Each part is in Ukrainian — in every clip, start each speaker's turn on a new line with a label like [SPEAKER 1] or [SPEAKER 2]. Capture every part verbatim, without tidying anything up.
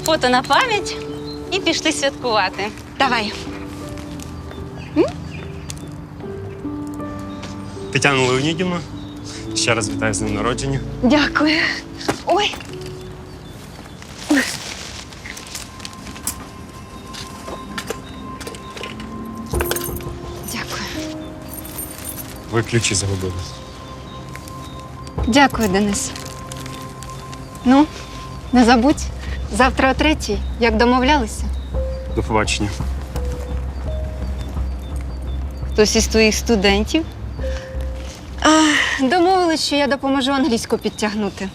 [SPEAKER 1] фото на пам'ять і пішли святкувати.
[SPEAKER 2] Давай.
[SPEAKER 3] Тетяна Леонідівна, ще раз вітаю з днем народження.
[SPEAKER 2] Дякую. Ой. Дякую.
[SPEAKER 3] Ви ключі загубили.
[SPEAKER 2] Дякую, Денис. Ну, не забудь. Завтра о третій, як домовлялися.
[SPEAKER 3] До побачення.
[SPEAKER 1] Хтось із твоїх студентів?
[SPEAKER 2] Домовились, що я допоможу англійську підтягнути.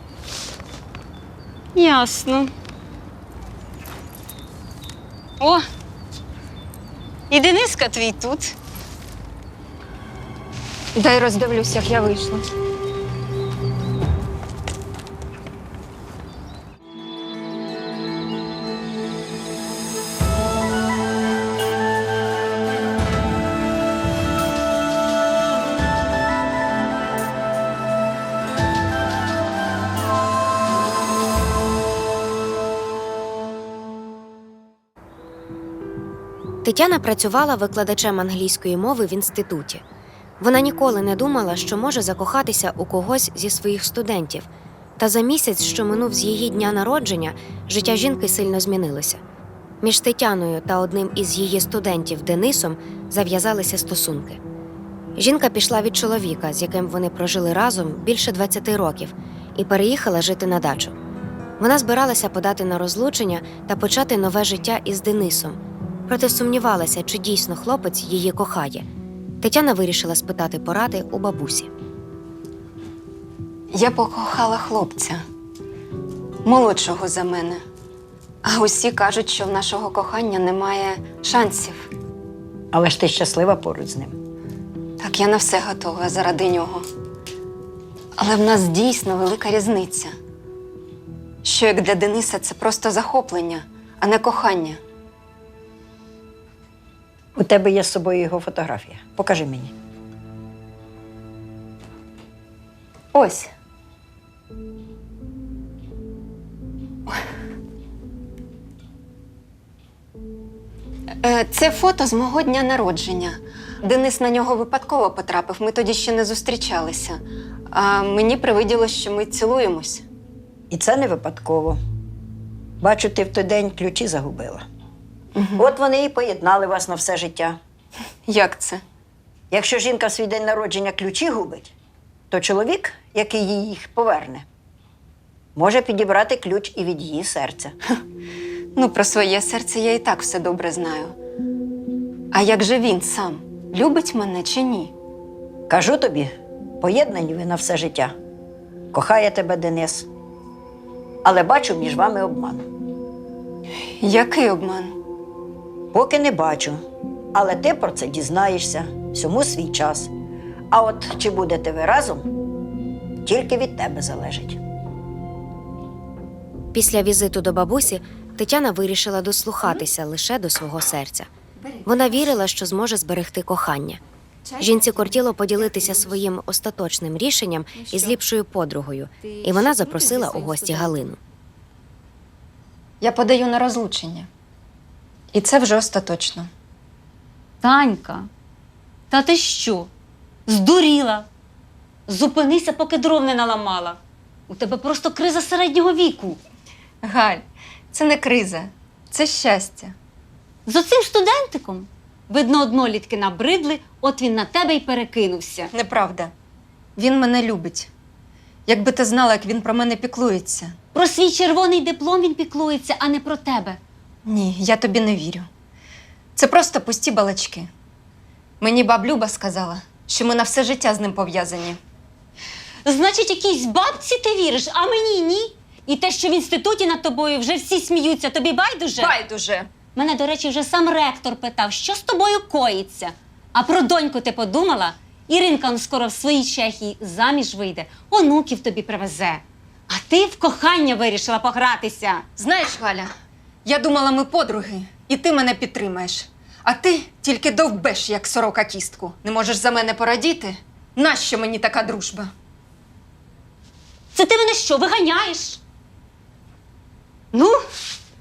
[SPEAKER 1] Ясно. О, і Дениска твій тут.
[SPEAKER 2] Дай роздивлюсь, як я вийшла.
[SPEAKER 4] Тетяна працювала викладачем англійської мови в інституті. Вона ніколи не думала, що може закохатися у когось зі своїх студентів. Та за місяць, що минув з її дня народження, життя жінки сильно змінилося. Між Тетяною та одним із її студентів Денисом зав'язалися стосунки. Жінка пішла від чоловіка, з яким вони прожили разом більше двадцяти років, і переїхала жити на дачу. Вона збиралася подати на розлучення та почати нове життя із Денисом. Проте сумнівалася, чи дійсно хлопець її кохає. Тетяна вирішила спитати поради у бабусі.
[SPEAKER 2] Я покохала хлопця, молодшого за мене. А усі кажуть, що в нашого кохання немає шансів.
[SPEAKER 5] Але ж ти щаслива поруч з ним.
[SPEAKER 2] Так, я на все готова заради нього. Але в нас дійсно велика різниця. Що як для Дениса це просто захоплення, а не кохання.
[SPEAKER 5] У тебе є з собою його фотографія. Покажи мені.
[SPEAKER 2] Ось. Е, Це фото з мого дня народження. Денис на нього випадково потрапив, ми тоді ще не зустрічалися. А мені привиділось, що ми цілуємось.
[SPEAKER 5] І це не випадково. Бачу, ти в той день ключі загубила. Угу. От вони і поєднали вас на все життя.
[SPEAKER 2] Як це?
[SPEAKER 5] Якщо жінка в свій день народження ключі губить, то чоловік, який їй їх поверне, може підібрати ключ і від її серця.
[SPEAKER 2] Ну, про своє серце я і так все добре знаю. А як же він сам? Любить мене чи ні?
[SPEAKER 5] Кажу тобі, поєднані ви на все життя. Кохає тебе Денис. Але бачу між вами обман.
[SPEAKER 2] Який обман?
[SPEAKER 5] Поки не бачу. Але ти про це дізнаєшся. Всьому свій час. А от чи будете ви разом, тільки від тебе залежить.
[SPEAKER 4] Після візиту до бабусі Тетяна вирішила дослухатися лише до свого серця. Вона вірила, що зможе зберегти кохання. Жінці кортіло поділитися своїм остаточним рішенням із ліпшою подругою, і вона запросила у гості Галину.
[SPEAKER 2] Я подаю на розлучення. І це вже остаточно.
[SPEAKER 1] Танька, та ти що? Здуріла? Зупинися, поки дров не наламала. У тебе просто криза середнього віку.
[SPEAKER 2] Галь, це не криза, це щастя.
[SPEAKER 1] З оцим студентиком, видно, однолітки набридли, от він на тебе й перекинувся.
[SPEAKER 2] Неправда. Він мене любить. Якби ти знала, як він про мене піклується.
[SPEAKER 1] Про свій червоний диплом він піклується, а не про тебе.
[SPEAKER 2] Ні, я тобі не вірю. Це просто пусті балачки. Мені баб Люба сказала, що ми на все життя з ним пов'язані.
[SPEAKER 1] Значить, якійсь бабці ти віриш, а мені ні? І те, що в інституті над тобою вже всі сміються, тобі байдуже?
[SPEAKER 2] Байдуже!
[SPEAKER 1] Мене, до речі, вже сам ректор питав, що з тобою коїться. А про доньку ти подумала? Іринка он скоро в своїй Чехії заміж вийде, онуків тобі привезе. А ти в кохання вирішила погратися.
[SPEAKER 2] Знаєш, Галя, я думала, ми подруги, і ти мене підтримаєш. А ти тільки довбеш, як сорока кістку. Не можеш за мене порадіти? Нащо мені така дружба?
[SPEAKER 1] Це ти мене що, виганяєш? Ну,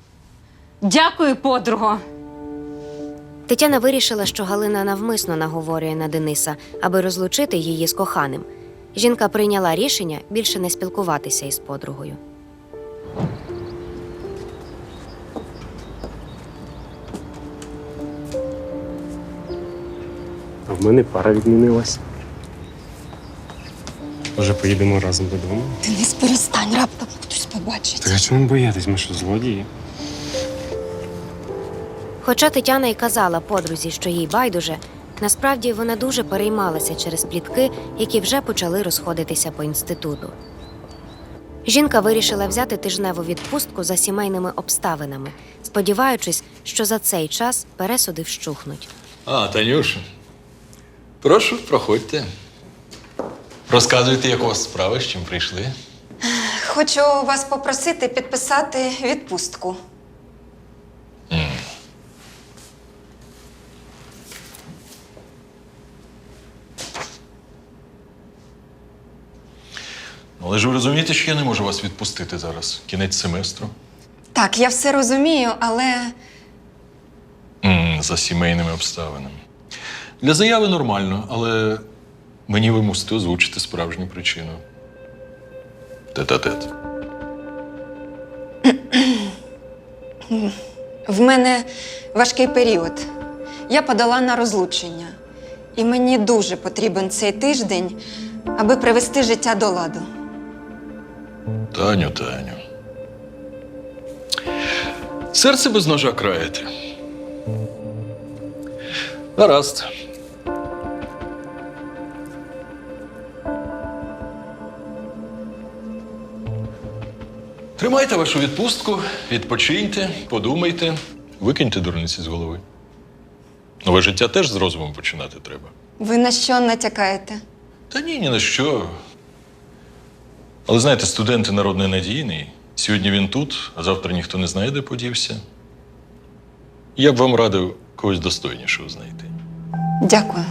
[SPEAKER 1] Дякую, подруго.
[SPEAKER 4] Тетяна вирішила, що Галина навмисно наговорює на Дениса, аби розлучити її з коханим. Жінка прийняла рішення більше не спілкуватися із подругою.
[SPEAKER 3] А в мене пара відмінилась. Може, поїдемо разом додому?
[SPEAKER 2] Денис, перестань, раптом хтось побачить.
[SPEAKER 3] Так а чому боятись? Ми що, злодії?
[SPEAKER 4] Хоча Тетяна й казала подрузі, що їй байдуже, насправді вона дуже переймалася через плітки, які вже почали розходитися по інституту. Жінка вирішила взяти тижневу відпустку за сімейними обставинами, сподіваючись, що за цей час пересуди вщухнуть.
[SPEAKER 6] А, Танюша. Прошу, проходьте. Розказуйте, як у вас справи, з чим прийшли.
[SPEAKER 2] Хочу вас попросити підписати відпустку.
[SPEAKER 6] Але ж ви розумієте, що я не можу вас відпустити зараз. Кінець семестру.
[SPEAKER 2] Так, я все розумію, але
[SPEAKER 6] М, за сімейними обставинами. Для заяви нормально, але мені ви мусите озвучити справжню причину. Тет-а-тет.
[SPEAKER 2] в мене важкий період. Я подала на розлучення. І мені дуже потрібен цей тиждень, аби привести життя до ладу.
[SPEAKER 6] Таню, Таню. Серце без ножа краєте. Гаразд. Тримайте вашу відпустку, відпочиньте, подумайте, викиньте дурниці з голови. Нове життя теж з розумом починати треба.
[SPEAKER 2] Ви на що натякаєте?
[SPEAKER 6] Та ні, ні на що. Але знаєте, студенти народ ненадійний. Сьогодні він тут, а завтра ніхто не знає, де подівся. Я б вам радив когось достойнішого знайти.
[SPEAKER 2] Дякую.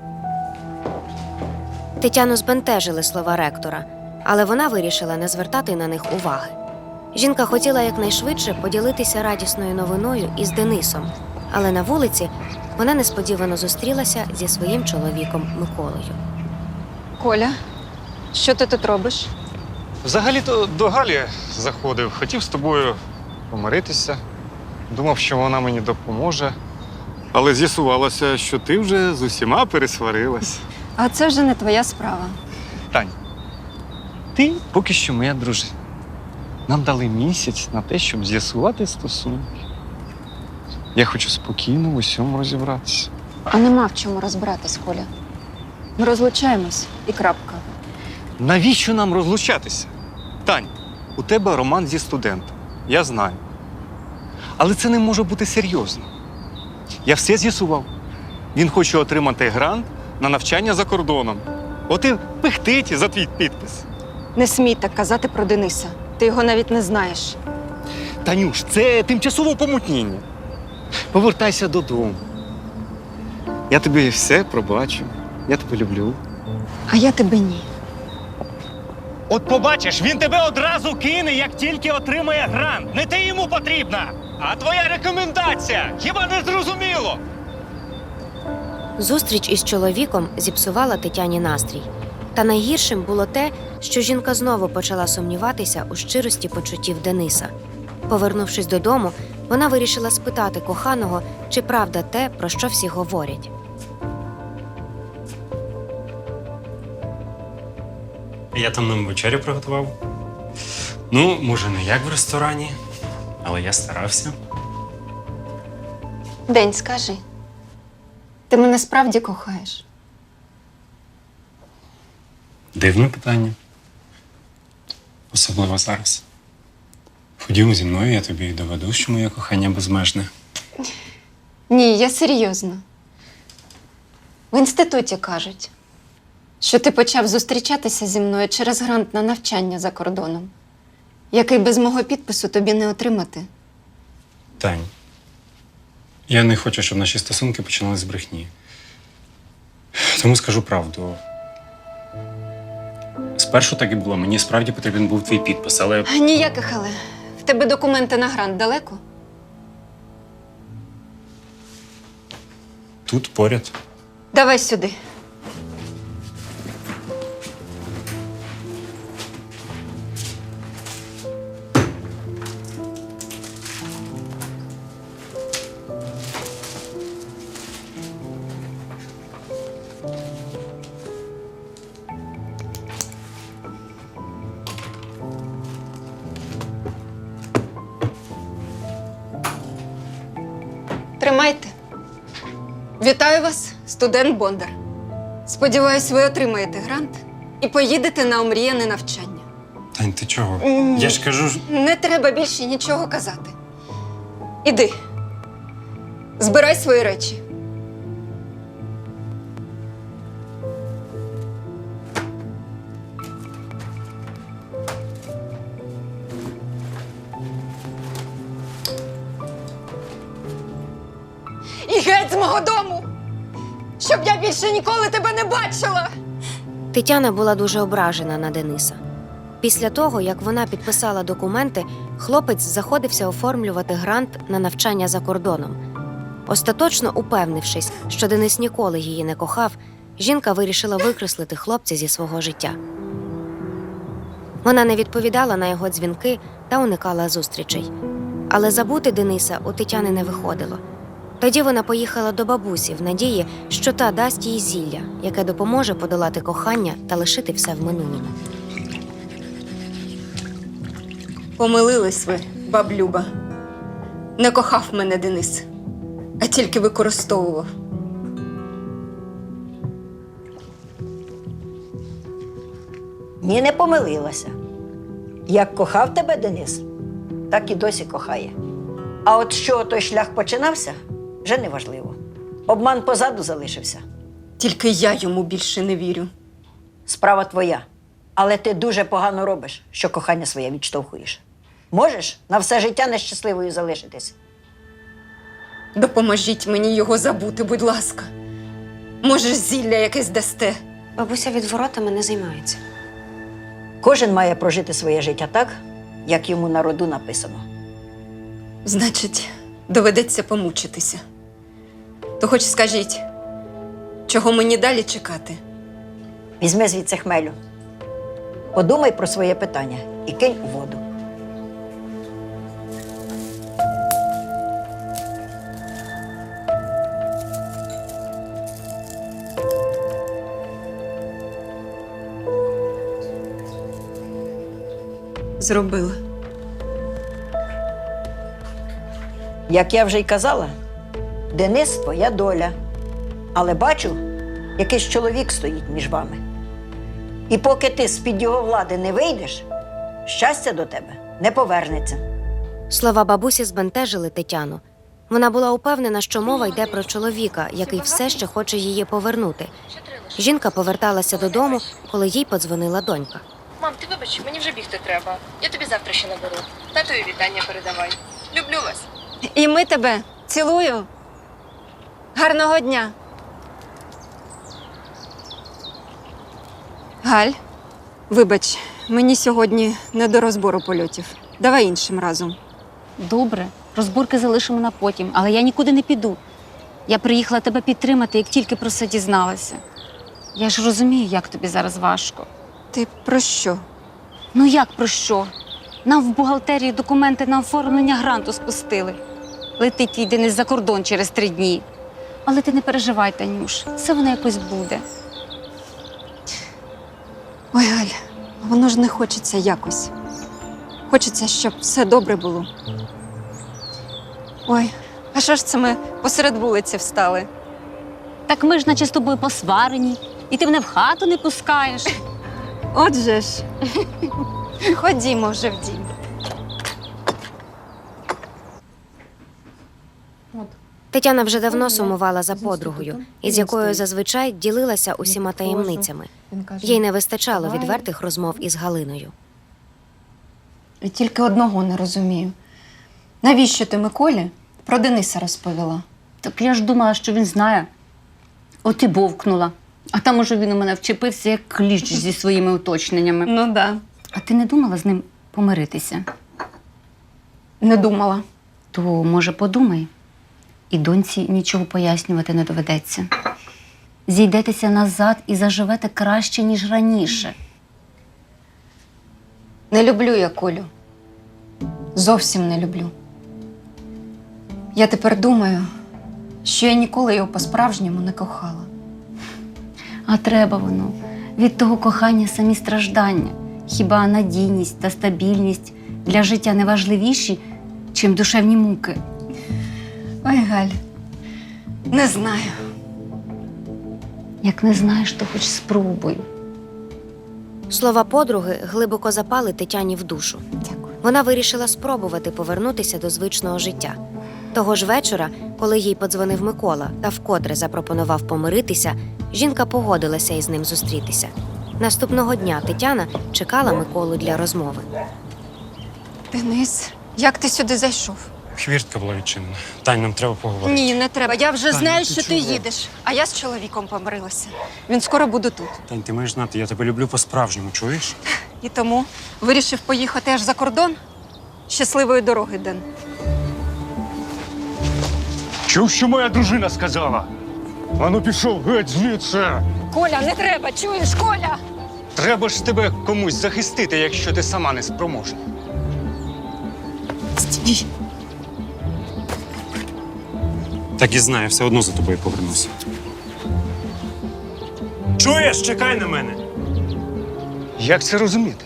[SPEAKER 4] Тетяну збентежили слова ректора, але вона вирішила не звертати на них уваги. Жінка хотіла якнайшвидше поділитися радісною новиною із Денисом, але на вулиці вона несподівано зустрілася зі своїм чоловіком Миколою.
[SPEAKER 2] Коля, що ти тут робиш?
[SPEAKER 7] Взагалі-то до Галі заходив, хотів з тобою помиритися. Думав, що вона мені допоможе. Але з'ясувалося, що ти вже з усіма пересварилась.
[SPEAKER 2] А це вже не твоя справа.
[SPEAKER 7] Тань, ти поки що моя дружина. Нам дали місяць на те, щоб з'ясувати стосунки. Я хочу спокійно в усьому розібратися.
[SPEAKER 2] А нема в чому розбиратись, Коля. Ми розлучаємось і крапка.
[SPEAKER 7] Навіщо нам розлучатися? Тань, у тебе роман зі студентом. Я знаю. Але це не може бути серйозно. Я все з'ясував. Він хоче отримати грант на навчання за кордоном. От і пихтить за твій підпис.
[SPEAKER 2] Не смій так казати про Дениса. Ти його навіть не знаєш.
[SPEAKER 7] Танюш, це тимчасове помутніння. Повертайся додому. Я тобі все пробачу. Я тебе люблю.
[SPEAKER 2] А я тебе ні.
[SPEAKER 8] От побачиш, він тебе одразу кине, як тільки отримає грант. Не ти йому потрібна, а твоя рекомендація. Хіба не зрозуміло?
[SPEAKER 4] Зустріч із чоловіком зіпсувала Тетяні настрій. Та найгіршим було те, що жінка знову почала сумніватися у щирості почуттів Дениса. Повернувшись додому, вона вирішила спитати коханого, чи правда те, про що всі говорять.
[SPEAKER 3] Я там нам вечерю приготував. Ну, може, не як в ресторані, але я старався.
[SPEAKER 2] День, скажи. Ти мене справді кохаєш?
[SPEAKER 3] Дивне питання. Особливо зараз. Ходімо зі мною, я тобі доведу, що моє кохання безмежне.
[SPEAKER 2] Ні, я серйозно. В інституті кажуть, що ти почав зустрічатися зі мною через грант на навчання за кордоном, який без мого підпису тобі не отримати.
[SPEAKER 3] Тань, я не хочу, щоб наші стосунки починали з брехні. Тому скажу правду. Спершу так і було. Мені справді потрібен був твій підпис, але
[SPEAKER 2] Ніяких але. В тебе документи на грант далеко?
[SPEAKER 3] тут поряд.
[SPEAKER 2] Давай сюди. Тримайте. Вітаю вас, студент Бондар. Сподіваюсь, ви отримаєте грант і поїдете на омріяне навчання.
[SPEAKER 3] Тань, ти чого?
[SPEAKER 2] М.
[SPEAKER 3] Я ж кажу. ж-
[SPEAKER 2] Не треба більше нічого казати. Іди. Збирай свої речі. І геть з мого дому! Щоб я більше ніколи тебе не бачила!
[SPEAKER 4] Тетяна була дуже ображена на Дениса. Після того, як вона підписала документи, хлопець заходився оформлювати грант на навчання за кордоном. Остаточно упевнившись, що Денис ніколи її не кохав, жінка вирішила викреслити хлопця зі свого життя. Вона не відповідала на його дзвінки та уникала зустрічей. Але забути Дениса у Тетяни не виходило. Тоді вона поїхала до бабусі в надії, що та дасть їй зілля, яке допоможе подолати кохання та лишити все в минулому.
[SPEAKER 2] Помилились ви, баб Люба. Не кохав мене Денис, а тільки використовував.
[SPEAKER 5] Ні, не помилилася. Як кохав тебе Денис, так і досі кохає. А от що той шлях починався, вже не важливо. Обман позаду залишився.
[SPEAKER 2] Тільки я йому більше не вірю.
[SPEAKER 5] Справа твоя. Але ти дуже погано робиш, що кохання своє відштовхуєш. Можеш на все життя нещасливою залишитись.
[SPEAKER 2] Допоможіть мені його забути, будь ласка. Може, зілля якесь дасте.
[SPEAKER 4] Бабуся відворотами не займається.
[SPEAKER 5] Кожен має прожити своє життя так, як йому на роду написано.
[SPEAKER 2] Значить, доведеться помучитися. То хоч скажіть, чого мені далі чекати?
[SPEAKER 5] Візьми звідси хмелю. Подумай про своє питання і кинь у воду.
[SPEAKER 2] Зробила.
[SPEAKER 5] Як я вже й казала, Денис – твоя доля. Але бачу, якийсь чоловік стоїть між вами. І поки ти з-під його влади не вийдеш, щастя до тебе не повернеться.
[SPEAKER 4] Слова бабусі збентежили Тетяну. Вона була упевнена, що мова йде про чоловіка, який все ще хоче її повернути. Жінка поверталася додому, коли їй подзвонила донька.
[SPEAKER 9] Мам, ти вибач, мені вже бігти треба. Я тобі завтра ще наберу. Татові вітання передавай. Люблю вас.
[SPEAKER 2] І ми тебе. Цілую. Гарного дня. Галь, вибач, мені сьогодні не до розбору польотів. Давай іншим разом.
[SPEAKER 1] Добре, розборки залишимо на потім, але я нікуди не піду. Я приїхала тебе підтримати, як тільки про це дізналася. Я ж розумію, як тобі зараз важко.
[SPEAKER 2] Ти про що?
[SPEAKER 1] Ну як про що? Нам в бухгалтерії документи на оформлення гранту спустили. Летить твій Денис за кордон через три дні. Але ти не переживай, Танюш, все воно якось буде.
[SPEAKER 2] Ой, Галь, воно ж не хочеться якось. Хочеться, щоб все добре було. Ой, а що ж це ми посеред вулиці встали?
[SPEAKER 1] Так ми ж наче з тобою посварені, і ти мене в хату не пускаєш.
[SPEAKER 2] Отже ж. Ходімо вже в дім.
[SPEAKER 4] Тетяна вже давно сумувала за подругою, із якою зазвичай ділилася усіма таємницями. Їй не вистачало відвертих розмов із Галиною.
[SPEAKER 2] І тільки одного не розумію. Навіщо ти Миколі про Дениса розповіла?
[SPEAKER 1] Так я ж думала, що він знає. От і бовкнула. А там уже він у мене вчепився, як кліщ зі своїми уточненнями.
[SPEAKER 2] Ну да.
[SPEAKER 1] А ти не думала з ним помиритися?
[SPEAKER 2] Не думала.
[SPEAKER 1] То, може, подумай. і доньці нічого пояснювати не доведеться. Зійдетеся назад і заживете краще, ніж раніше.
[SPEAKER 2] Не люблю я Колю. Зовсім не люблю. Я тепер думаю, що я ніколи його по-справжньому не кохала.
[SPEAKER 1] А треба воно. Від того кохання самі страждання. Хіба надійність та стабільність для життя не важливіші, чим душевні муки?
[SPEAKER 2] Ой, Галь, не знаю.
[SPEAKER 1] Як не знаєш, то хоч спробуй.
[SPEAKER 4] Слова подруги глибоко запали Тетяні в душу.
[SPEAKER 2] Дякую.
[SPEAKER 4] Вона вирішила спробувати повернутися до звичного життя. Того ж вечора, коли їй подзвонив Микола та вкотре запропонував помиритися, жінка погодилася із ним зустрітися. Наступного дня Тетяна чекала Миколу для розмови.
[SPEAKER 2] Денис, як ти сюди зайшов?
[SPEAKER 3] Хвіртка була відчинена. Тань, нам треба поговорити.
[SPEAKER 2] Ні, не треба. Я вже
[SPEAKER 3] Таня,
[SPEAKER 2] знаю,
[SPEAKER 3] ти
[SPEAKER 2] що ти
[SPEAKER 3] чого?
[SPEAKER 2] їдеш. А я з чоловіком помирилася. Він скоро буде тут.
[SPEAKER 3] Тань, ти маєш знати, я тебе люблю по-справжньому, чуєш?
[SPEAKER 2] І тому вирішив поїхати аж за кордон. Щасливої дороги, Ден.
[SPEAKER 8] Чув, що моя дружина сказала? Ану пішов геть звідси.
[SPEAKER 2] Коля, не треба, чуєш, Коля?
[SPEAKER 8] Треба ж тебе комусь захистити, якщо ти сама не спроможна.
[SPEAKER 2] Стій.
[SPEAKER 3] Так і знаю, все одно за тобою повернуся. Чуєш? Чекай на мене!
[SPEAKER 8] Як це розуміти?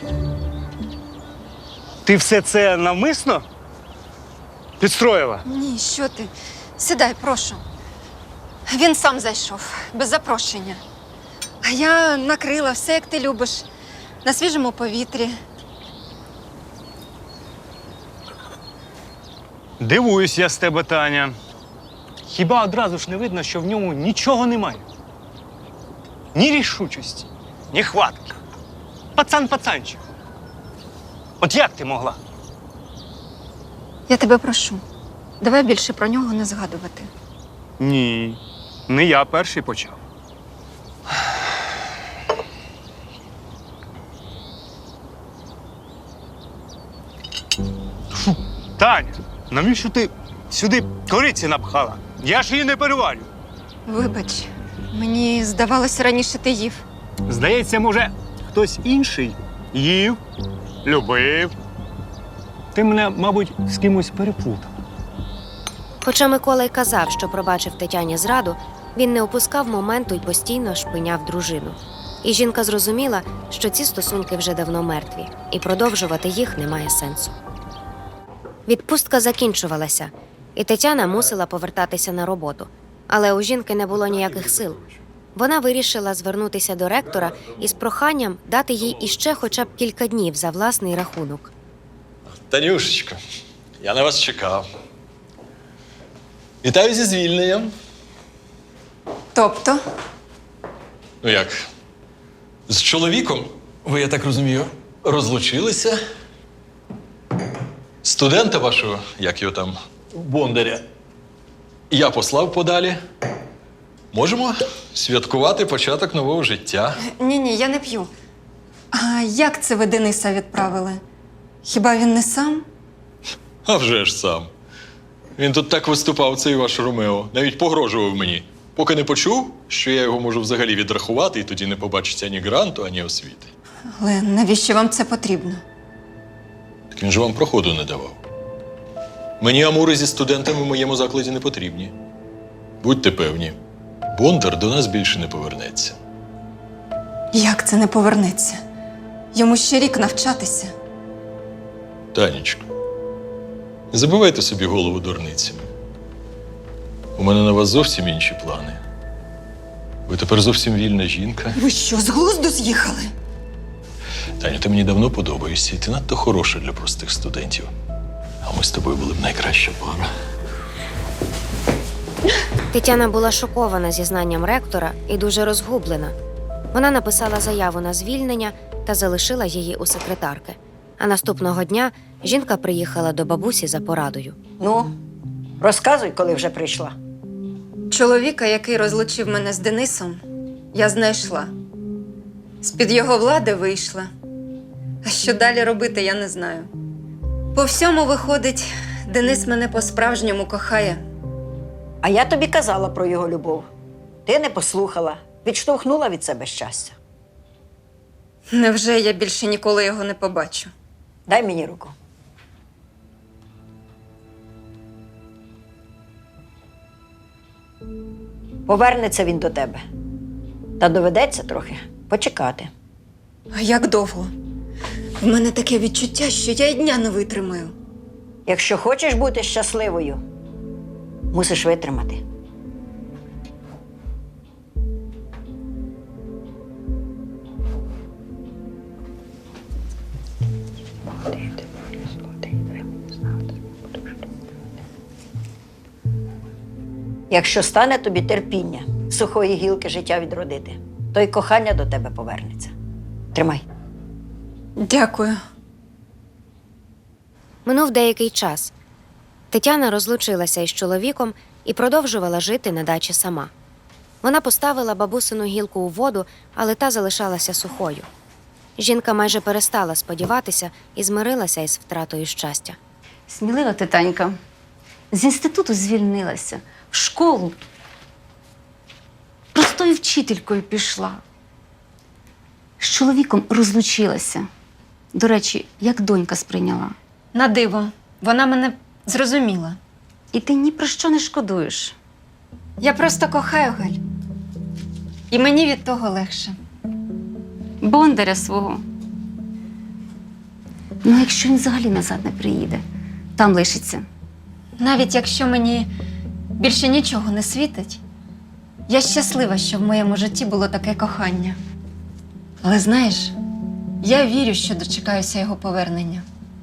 [SPEAKER 8] Ти все це навмисно підстроїла?
[SPEAKER 2] Ні, що ти? Сідай, прошу. Він сам зайшов, без запрошення. А я накрила все, як ти любиш, на свіжому повітрі.
[SPEAKER 8] Дивуюсь я з тебе, Таня. Хіба одразу ж не видно, що в ньому нічого немає? Ні рішучості, ні хватки. Пацан-пацанчик. От як ти могла?
[SPEAKER 2] Я тебе прошу, давай більше про нього не згадувати.
[SPEAKER 8] Ні, не я перший почав. Фу, Таня, навіщо ти сюди кориці напхала? Я ж її не переварю.
[SPEAKER 2] Вибач, мені здавалося, раніше ти їв.
[SPEAKER 8] Здається, може, хтось інший їв, любив. Ти мене, мабуть, з кимось переплутав.
[SPEAKER 4] Хоча Микола й казав, що пробачив Тетяні зраду, він не опускав моменту й постійно шпиняв дружину. І жінка зрозуміла, що ці стосунки вже давно мертві, і продовжувати їх немає сенсу. Відпустка закінчувалася, і Тетяна мусила повертатися на роботу. Але у жінки не було ніяких сил. Вона вирішила звернутися до ректора із проханням дати їй іще хоча б кілька днів за власний рахунок.
[SPEAKER 6] Танюшечко, я на вас чекав. Вітаю зі звільненням.
[SPEAKER 2] Тобто?
[SPEAKER 6] Ну як? З чоловіком, ви, я так розумію, розлучилися. Студента вашого, як його там, Бондаря, я послав подалі. Можемо святкувати початок нового життя.
[SPEAKER 2] Ні-ні, я не п'ю. А як це ви Дениса відправили? Хіба він не сам?
[SPEAKER 6] А вже ж сам. Він тут так виступав, цей ваш Ромео. Навіть погрожував мені. Поки не почув, що я його можу взагалі відрахувати, і тоді не побачиться ані гранту, ані освіти.
[SPEAKER 2] Але навіщо вам це потрібно?
[SPEAKER 6] Так він же вам проходу не давав. Мені амури зі студентами в моєму закладі не потрібні. Будьте певні, Бондар до нас більше не повернеться.
[SPEAKER 2] Як це не повернеться? Йому ще рік навчатися.
[SPEAKER 6] Танечко, не забивайте собі голову дурницями. У мене на вас зовсім інші плани. Ви тепер зовсім вільна жінка.
[SPEAKER 2] Ви що, з глузду з'їхали?
[SPEAKER 6] Таню, ти мені давно подобаєшся, і ти надто хороша для простих студентів. А ми з тобою були б найкраща пара.
[SPEAKER 4] Тетяна була шокована зізнанням ректора і дуже розгублена. Вона написала заяву на звільнення та залишила її у секретарки. А наступного дня жінка приїхала до бабусі за порадою.
[SPEAKER 5] Ну, розказуй, коли вже прийшла.
[SPEAKER 2] Чоловіка, який розлучив мене з Денисом, я знайшла. З-під його влади вийшла. А що далі робити, я не знаю. По всьому виходить, Денис мене по-справжньому кохає.
[SPEAKER 5] А я тобі казала про його любов. Ти не послухала, відштовхнула від себе щастя.
[SPEAKER 2] Невже я більше ніколи його не побачу?
[SPEAKER 5] Дай мені руку. Повернеться він до тебе. Та доведеться трохи почекати.
[SPEAKER 2] А як довго? В мене таке відчуття, що я й дня не витримаю.
[SPEAKER 5] Якщо хочеш бути щасливою, мусиш витримати. Якщо стане тобі терпіння сухої гілки життя відродити, то й кохання до тебе повернеться. Тримай.
[SPEAKER 2] Дякую.
[SPEAKER 4] Минув деякий час. Тетяна розлучилася із чоловіком і продовжувала жити на дачі сама. Вона поставила бабусину гілку у воду, але та залишалася сухою. Жінка майже перестала сподіватися і змирилася із втратою щастя.
[SPEAKER 1] Смілива ти, Танька. З інституту звільнилася, в школу. Простою вчителькою пішла. З чоловіком розлучилася. До речі, як донька сприйняла.
[SPEAKER 2] На диво, вона мене зрозуміла.
[SPEAKER 1] І ти ні про що не шкодуєш.
[SPEAKER 2] Я просто кохаю Галь. І мені від того легше.
[SPEAKER 1] Бондаря свого. Ну, якщо він взагалі назад не приїде, там лишиться.
[SPEAKER 2] Навіть якщо мені більше нічого не світить, я щаслива, що в моєму житті було таке кохання. Але знаєш, я вірю, що дочекаюся його повернення.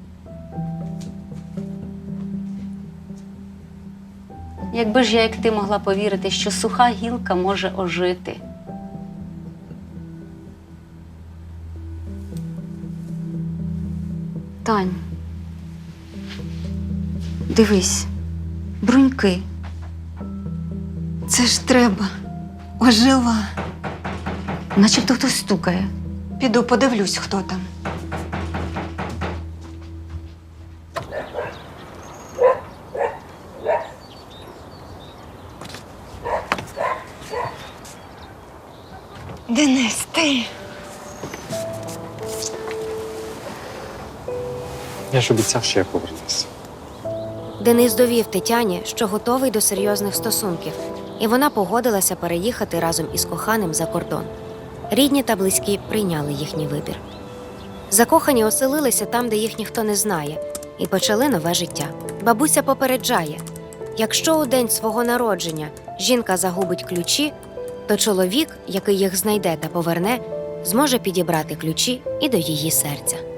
[SPEAKER 1] Якби ж я, як ти, могла повірити, що суха гілка може ожити. Тань, дивись, бруньки.
[SPEAKER 2] Це ж треба. Ожила.
[SPEAKER 1] Начебто хтось стукає.
[SPEAKER 2] Піду подивлюсь, хто там. Денис, ти?
[SPEAKER 3] Я ж обіцяв, що я повернуся.
[SPEAKER 4] Денис довів Тетяні, що готовий до серйозних стосунків, і вона погодилася переїхати разом із коханим за кордон. Рідні та близькі прийняли їхній вибір. Закохані оселилися там, де їх ніхто не знає, і почали нове життя. Бабуся попереджає: якщо у день свого народження жінка загубить ключі, то чоловік, який їх знайде та поверне, зможе підібрати ключі і до її серця.